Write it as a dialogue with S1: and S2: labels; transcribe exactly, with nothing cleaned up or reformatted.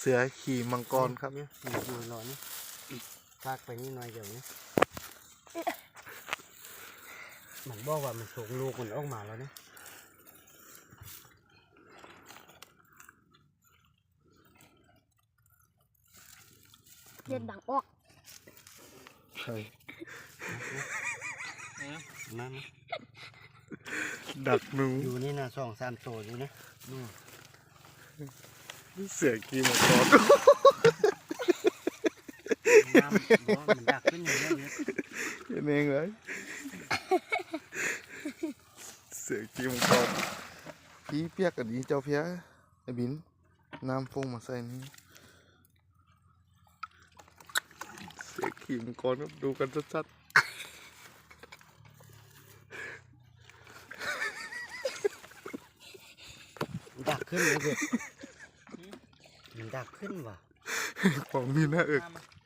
S1: เสือขี่มังกรครับ
S2: เนี่ยอยู่รอนี่ลากไปนี่หน่อยเดี๋ยวนี้มันบอกว่ามันส่งลูกมันออกมาแล้วเนี่ย
S3: เลือดดังออก
S1: ใช่
S2: นั่น
S1: ดักหนู
S2: อยู่นี่นะสองสามตัวอยู่นะ
S1: เสือขี่มังกร
S2: น้ำบอกมันดักขึ้นอย่างนี้เลย
S1: เห็นเองเลยเสือขี่มังกรพี่เปียกกับดีเจ้าเพียไอ้บินน้ำฟงมาใส่นี่เสือขี่มังกรครับดูกันชัด
S2: ดักขึ้นเลยเด็กมันดักขึ้นว่ะ
S1: ๆของมีหน้าเอก
S4: มามา